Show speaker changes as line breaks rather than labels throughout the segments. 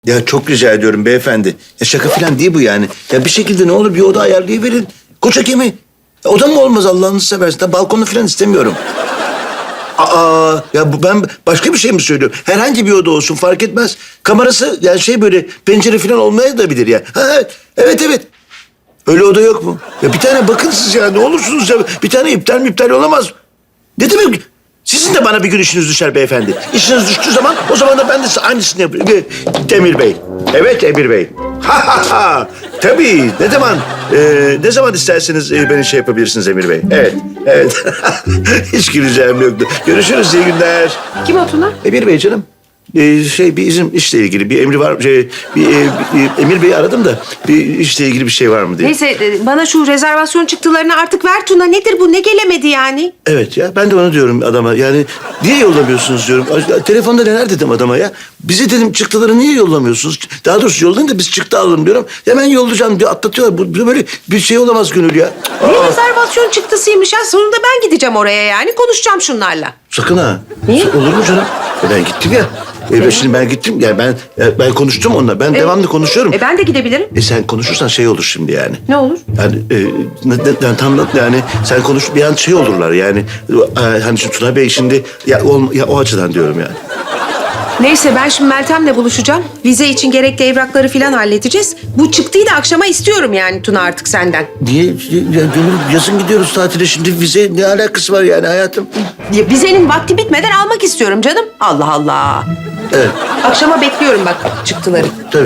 Ya çok rica ediyorum beyefendi. Ya şaka falan değil bu yani. Ya bir şekilde ne olur bir oda ayarlayıverin. Koca gemi. Oda mı olmaz Allah'ınızı seversen? Balkonu falan istemiyorum. Aa, ya ben başka bir şey mi söylüyorum? Herhangi bir oda olsun fark etmez. Kamerası yani şey böyle pencere falan olmaya da bilir ya. Ha, evet, evet. Öyle oda yok mu? Ya bir tane bakın siz ya ne olursunuz ya. Bir tane iptal olamaz. Ne demek? Sizin de bana bir gün işiniz düşer beyefendi. İşiniz düştüğü zaman o zaman da ben de size aynısını yaparım. Demir Bey. Evet Emir Bey. Ha ha ha. Tabii. Ne zaman isterseniz beni şey yapabilirsiniz Emir Bey. Evet. Hiç güleceğim yoktu. Görüşürüz, iyi günler.
Kim o Tuna?
Emir Bey canım. Bir bizim işle ilgili bir emri var. Emir Bey'i aradım da bir işle ilgili bir şey var mı diye.
Neyse bana şu rezervasyon çıktılarını artık ver Tuna. Nedir bu? Ne gelemedi yani?
Evet ya ben de onu diyorum adama. Yani niye yollamıyorsunuz diyorum. Telefonda neler dedim adama ya. Bize dedim çıktıları niye yollamıyorsunuz? Daha doğrusu yollayın da biz çıktı alalım diyorum. Hemen yollayacağım diyor atlatıyorlar. Bu böyle bir şey olamaz Gönül ya.
Ne rezervasyon çıktısıymış ya? Sonunda ben gideceğim oraya yani. Konuşacağım şunlarla.
Sakın ha.
Niye?
Olur mu canım? Ben gittim ya. Şimdi ben gittim. Yani ben konuştum onunla. Ben devamlı konuşuyorum.
Ben de gidebilirim.
Sen konuşursan şey olur şimdi yani.
Ne olur?
Yani tam yani sen konuş bir an şey olurlar yani. Hani şu Tuna Bey şimdi ya o açıdan diyorum yani.
Neyse ben şimdi Meltem'le buluşacağım. Vize için gerekli evrakları falan halledeceğiz. Bu çıktıyı da akşama istiyorum yani Tuna artık senden.
Niye? Ya, Gönül yazın gidiyoruz tatile şimdi vize ne alakası var yani hayatım?
Ya, vizenin vakti bitmeden almak istiyorum canım. Allah Allah.
Evet
Akşama bekliyorum bak çıktıları.
tabii.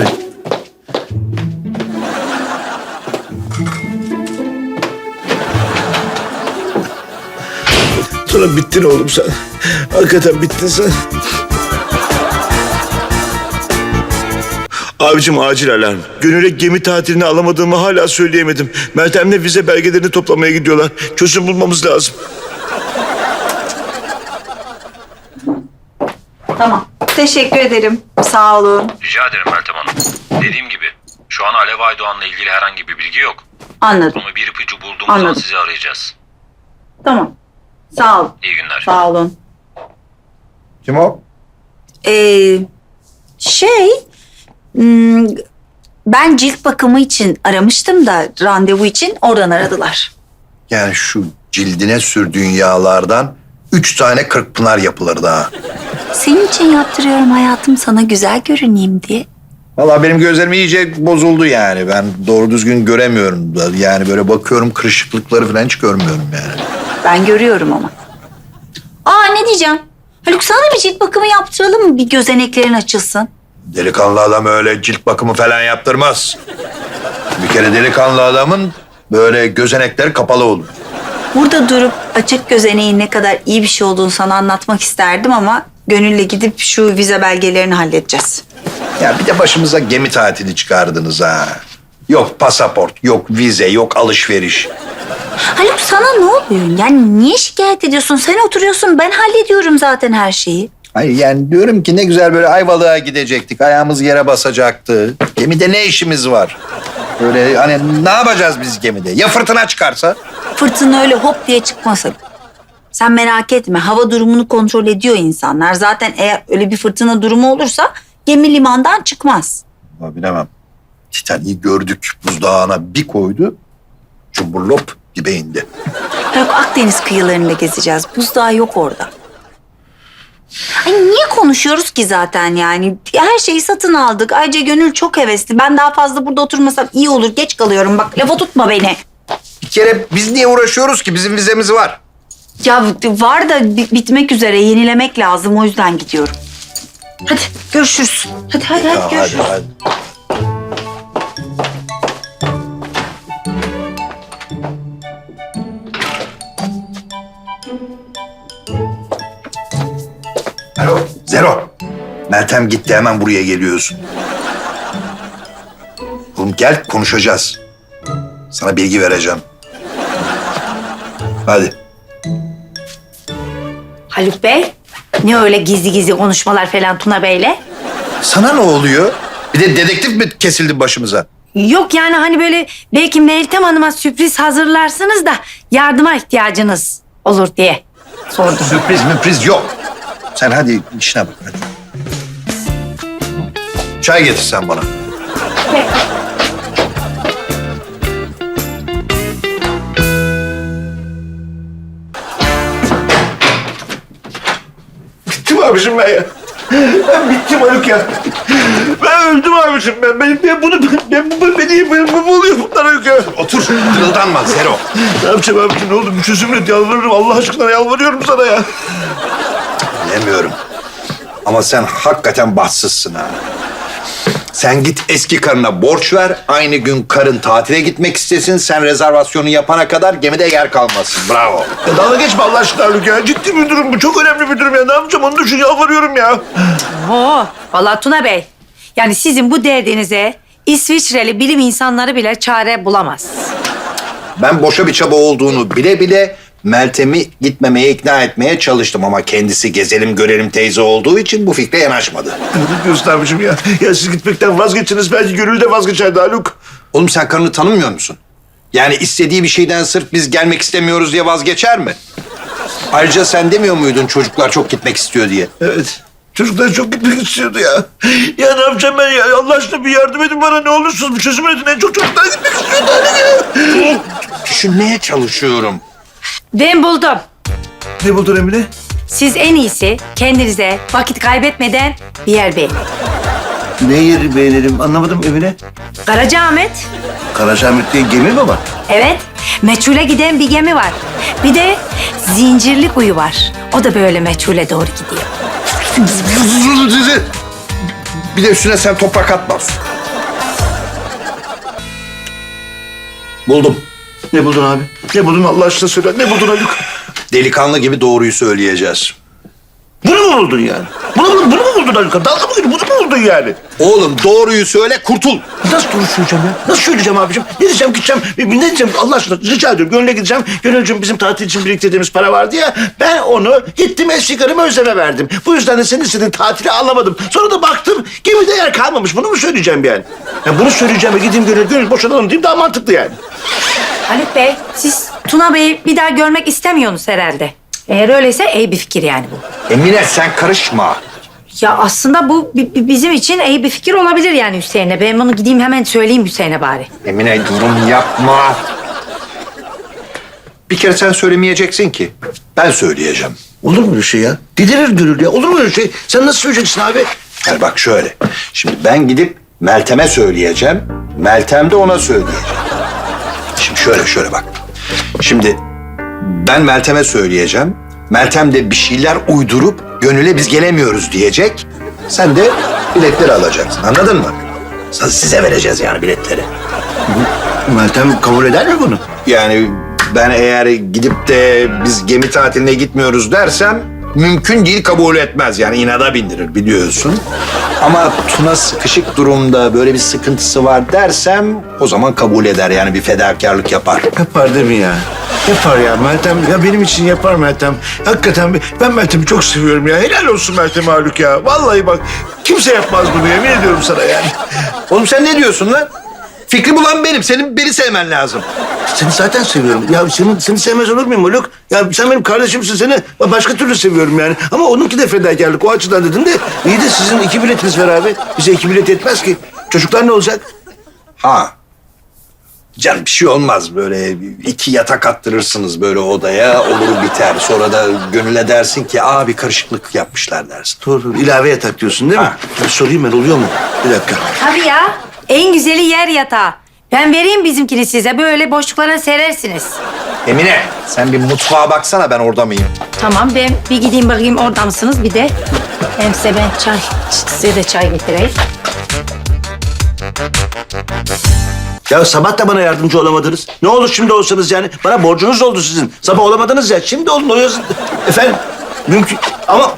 Tuna bittin oğlum sen. Hakikaten bittin sen. Abicim acil alarm. Gönül'e gemi tatilini alamadığımı hala söyleyemedim. Meltem'le vize belgelerini toplamaya gidiyorlar. Çözüm bulmamız lazım.
Tamam. Teşekkür ederim. Sağ olun.
Rica ederim Meltem Hanım. Dediğim gibi şu an Alev Aydoğan'la ilgili herhangi bir bilgi yok.
Anladım.
Ama bir ipucu bulduğumuz
Anladım.
an sizi arayacağız.
Tamam. Sağ ol.
İyi günler.
Sağ olun.
Kim o?
Şey... ben cilt bakımı için aramıştım da randevu için oradan aradılar.
Yani şu cildine sürdüğün yağlardan 3 tane Kırkpınar yapılır daha.
Senin için yaptırıyorum hayatım sana güzel görüneyim diye.
Vallahi benim gözlerim iyice bozuldu yani. Ben doğru düzgün göremiyorum. Yani böyle bakıyorum kırışıklıkları falan hiç görmüyorum yani.
Ben görüyorum ama. Ne diyeceğim? Haluk sana da bir cilt bakımı yaptıralım mı? Bir gözeneklerin açılsın.
Delikanlı adam öyle cilt bakımı falan yaptırmaz. Bir kere delikanlı adamın böyle gözenekleri kapalı olur.
Burada durup açık gözeneğin ne kadar iyi bir şey olduğunu sana anlatmak isterdim ama Gönül'le gidip şu vize belgelerini halledeceğiz.
Ya bir de başımıza gemi tatili çıkardınız ha. Yok pasaport, yok vize, yok alışveriş.
Haluk sana ne oluyor? Yani niye şikayet ediyorsun? Sen oturuyorsun ben hallediyorum zaten her şeyi.
Hayır yani diyorum ki ne güzel böyle Ayvalık'a gidecektik. Ayağımız yere basacaktı. Gemide ne işimiz var? Böyle hani ne yapacağız biz gemide? Ya fırtına çıkarsa?
Fırtına öyle hop diye çıkmasın. Sen merak etme hava durumunu kontrol ediyor insanlar. Zaten eğer öyle bir fırtına durumu olursa gemi limandan çıkmaz.
Ya bilemem. Titanic'i gördük buzdağına bir koydu. Cumburlop dibe indi.
Haluk Akdeniz kıyılarında gezeceğiz. Buzdağı yok orada. Ay niye konuşuyoruz ki zaten yani? Her şeyi satın aldık. Ayrıca Gönül çok hevesli. Ben daha fazla burada oturmasam iyi olur. Geç kalıyorum bak. Lafa tutma beni.
Bir kere biz niye uğraşıyoruz ki? Bizim vizemiz var.
Ya var da bitmek üzere. Yenilemek lazım. O yüzden gidiyorum. Hadi görüşürüz. Hadi
Ya
görüşürüz.
hadi. Alo, Zero. Meltem gitti, hemen buraya geliyorsun. Oğlum gel, konuşacağız. Sana bilgi vereceğim. Hadi.
Haluk Bey. Ne öyle gizli gizli konuşmalar falan Tuna Bey'le?
Sana ne oluyor? Bir de dedektif mi kesildi başımıza?
Yok yani hani böyle belki Meltem Hanım'a sürpriz hazırlarsınız da yardıma ihtiyacınız olur diye sordum.
Sürpriz yok. Sen hadi işine bak hadi. Çay getirsen bana.
Bittim abicim ben ya. Ben bittim Haluk ya. Ben öldüm abicim ben. Bu oluyor bunlar Haluk ya.
Otur. Kırıldanma Zero.
Ne yapacağım abicim ne oldu? Bir çözüm et yalvarırım. Allah aşkına yalvarıyorum sana ya.
Bilemiyorum. Ama sen hakikaten bahtsızsın ha. Sen git eski karına borç ver. Aynı gün karın tatile gitmek istesin. Sen rezervasyonu yapana kadar gemide yer kalmasın. Bravo.
Ya dalga geçme Allah aşkına Haluk ya. Ciddi bir durum bu. Çok önemli bir durum ya. Ne yapacağım onu düşün yalvarıyorum ya.
Oo, vallahi Tuna Bey. Yani sizin bu derdinize İsviçreli bilim insanları bile çare bulamaz.
Ben boşa bir çaba olduğunu bile bile Meltem'i gitmemeye ikna etmeye çalıştım. Ama kendisi gezelim görelim teyze olduğu için bu fikre yanaşmadı.
Ne diyorsun abicim ya? Ya siz gitmekten vazgeçiniz. Belki Gönül de vazgeçerdi Haluk.
Oğlum sen karını tanımıyor musun? Yani istediği bir şeyden sırf biz gelmek istemiyoruz diye vazgeçer mi? Ayrıca sen demiyor muydun çocuklar çok gitmek istiyor diye?
Evet. Çocuklar çok gitmek istiyordu ya. Ya ne yapacağım ben ya? Allah aşkına bir yardım edin bana ne olursunuz. Bir çözüm edin. En çok çocuklar gitmek istiyordu Haluk ya.
Düşünmeye çalışıyorum.
Ben buldum.
Ne buldun Emine?
Siz en iyisi kendinize vakit kaybetmeden bir yer beğenin.
Ne yeri beğenelim anlamadım Emine.
Karacaahmet.
Karacaahmet diye gemi mi var?
Evet, meçhule giden bir gemi var. Bir de Zincirlikuyu var. O da böyle meçhule doğru gidiyor.
Bir de üstüne sen toprak atma. Buldum.
Ne buldun abi? Ne buldun Allah aşkına söyle. Ne buldun Haluk?
Delikanlı gibi doğruyu söyleyeceğiz.
Bunu mu buldun yani? Bunu mu buldun Haluk? Dalga mı geçiyorsun? Bunu mu buldun yani?
Oğlum doğruyu söyle kurtul.
Nasıl doğru söyleyeceğim ya? Nasıl söyleyeceğim abicim? Ne diyeceğim gideceğim? Ne diyeceğim Allah aşkına rica ediyorum. Gönül'e gideceğim. Gönülcüğüm bizim tatil için biriktirdiğimiz para vardı ya. Ben onu gittim eski karıma Özlem'e verdim. Bu yüzden de senin istediğin tatili alamadım. Sonra da baktım gemide yer kalmamış. Bunu mu söyleyeceğim yani? Ya bunu söyleyeceğim gideyim Gönül boşanalım diyeyim daha mantıklı yani.
Haluk Bey, siz Tuna Bey'i bir daha görmek istemiyorsunuz herhalde. Eğer öyleyse iyi bir fikir yani bu.
Emine sen karışma.
Ya aslında bu bizim için iyi bir fikir olabilir yani Hüseyin'e. Ben bunu gideyim hemen söyleyeyim Hüseyin'e bari.
Emine durum yapma. Bir kere sen söylemeyeceksin ki. Ben söyleyeceğim.
Olur mu öyle şey ya? Delirir Gönül ya. Olur mu öyle şey? Sen nasıl söyleyeceksin abi?
Yani bak şöyle. Şimdi ben gidip Meltem'e söyleyeceğim. Meltem de ona söyleyecek. Şimdi şöyle bak. Şimdi ben Meltem'e söyleyeceğim. Meltem de bir şeyler uydurup Gönül'e biz gelemiyoruz diyecek. Sen de biletleri alacaksın. Anladın mı? Size vereceğiz yani biletleri.
Meltem kabul eder mi bunu?
Yani ben eğer gidip de biz gemi tatiline gitmiyoruz dersem mümkün değil kabul etmez. Yani inada bindirir biliyorsun. Ama Tuna sıkışık durumda böyle bir sıkıntısı var dersem o zaman kabul eder yani bir fedakarlık yapar.
Yapar değil mi ya? Yapar ya Meltem. Ya benim için yapar Meltem. Hakikaten ben Meltem'i çok seviyorum ya. Helal olsun Meltem Haluk ya. Vallahi bak kimse yapmaz bunu yemin ediyorum sana yani.
Oğlum sen ne diyorsun lan? Fikri bulan benim. Senin beni sevmen lazım.
Seni zaten seviyorum. Ya seni sevmez olur muyum Haluk? Ya sen benim kardeşimsin seni başka türlü seviyorum yani. Ama onunki de fedakarlık o açıdan dedim de. İyi de sizin 2 biletiniz var abi. Bize 2 bilet yetmez ki. Çocuklar ne olacak?
Ha. Canım bir şey olmaz. Böyle 2 yatak attırırsınız böyle odaya. Olur biter. Sonra da Gönül'e dersin ki bir karışıklık yapmışlar dersin.
Doğru. İlave yatak diyorsun değil mi?
Ha.
Bir sorayım ben oluyor mu? Bir dakika.
Tabii ya. En güzeli yer yatağı. Ben vereyim bizimkini size. Böyle boşluklara serersiniz.
Emine sen bir mutfağa baksana ben orada mıyım?
Tamam ben bir gideyim bakayım orada mısınız bir de. Hem size ben size de çay getireyim.
Ya sabah da bana yardımcı olamadınız. Ne olur şimdi olsanız yani. Bana borcunuz oldu sizin. Sabah olamadınız ya. Şimdi olun oluyorsun. Efendim mümkün ama...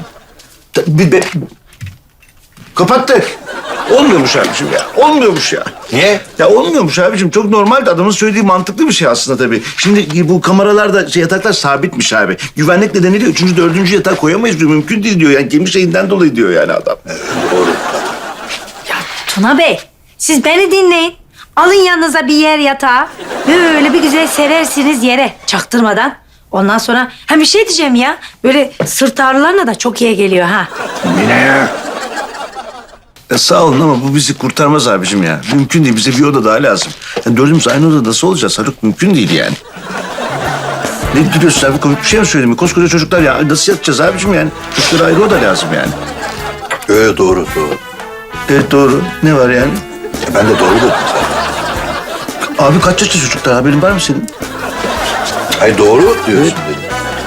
Kapattık. Olmuyormuş abicim ya. Olmuyormuş ya.
Niye?
Ya olmuyormuş abicim. Çok normaldi. Adamın söylediği mantıklı bir şey aslında tabii. Şimdi bu kameralarda yataklar sabitmiş abi. Güvenlik nedeniyle 3. 4. yatak koyamayız diyor. Mümkün değil diyor. Yani gemi şeyinden dolayı diyor yani adam.
Doğru.
Tuna Bey siz beni dinleyin. Alın yanınıza bir yer yatağı. Böyle bir güzel serersiniz yere çaktırmadan. Ondan sonra bir şey diyeceğim ya. Böyle sırt ağrılarına da çok iyi geliyor ha.
Emine.
Ya sağ olun ama bu bizi kurtarmaz abicim ya. Mümkün değil. Bize bir oda daha lazım. Yani dördümüz aynı odada nasıl olacağız Haluk? Mümkün değil yani. Ne gülüyorsun abi? Komik bir şey mi söyledim? Koskoca çocuklar ya. Nasıl yatacağız abicim yani? Çocuklara ayrı oda lazım yani.
Doğru.
Evet doğru. Ne var yani?
Ben de doğru dedim zaten.
Abi kaç yaşlı çocuklar? Haberin var mı senin?
Ay doğru diyorsun dedim.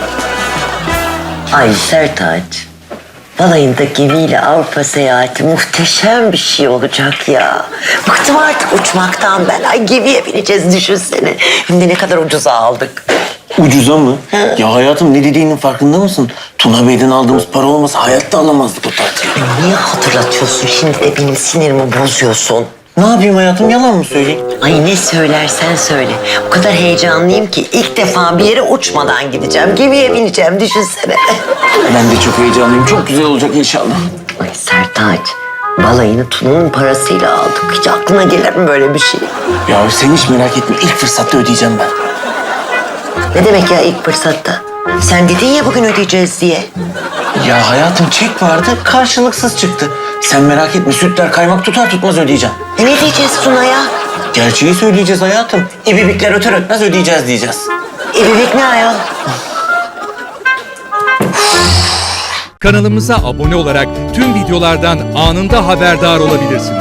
Ay Sertaç, balayında gemiyle Avrupa seyahati muhteşem bir şey olacak ya. Bıktım artık uçmaktan ben. Ay gemiye bineceğiz düşünsene. Hem de ne kadar ucuza aldık.
Ucuza mı? Ya hayatım ne dediğinin farkında mısın? Tuna Bey'den aldığımız para olmasa hayatta alamazdık o tatili.
Ay, niye hatırlatıyorsun şimdi de benim sinirimi bozuyorsun?
Ne yapayım hayatım, yalan mı söyleyeyim?
Ay ne söylersen söyle. O kadar heyecanlıyım ki ilk defa bir yere uçmadan gideceğim. Gemiye bineceğim düşünsene.
Ben de çok heyecanlıyım. Çok güzel olacak inşallah.
Ay Sertaç, balayını Tuna'nın parasıyla aldık. Hiç aklına gelir mi böyle bir şey?
Ya sen hiç merak etme. İlk fırsatta ödeyeceğim ben.
Ne demek ya ilk fırsatta? Sen dedin ya bugün ödeyeceğiz diye.
Ya hayatım çek vardı, karşılıksız çıktı. Sen merak etme, sütler kaymak tutar tutmaz ödeyeceğim.
Ne diyeceğiz Tuna'ya?
Gerçeği söyleyeceğiz hayatım. İbibikler öter ötmez ödeyeceğiz diyeceğiz.
İbibik ne ayol?
Kanalımıza abone olarak tüm videolardan anında haberdar olabilirsiniz.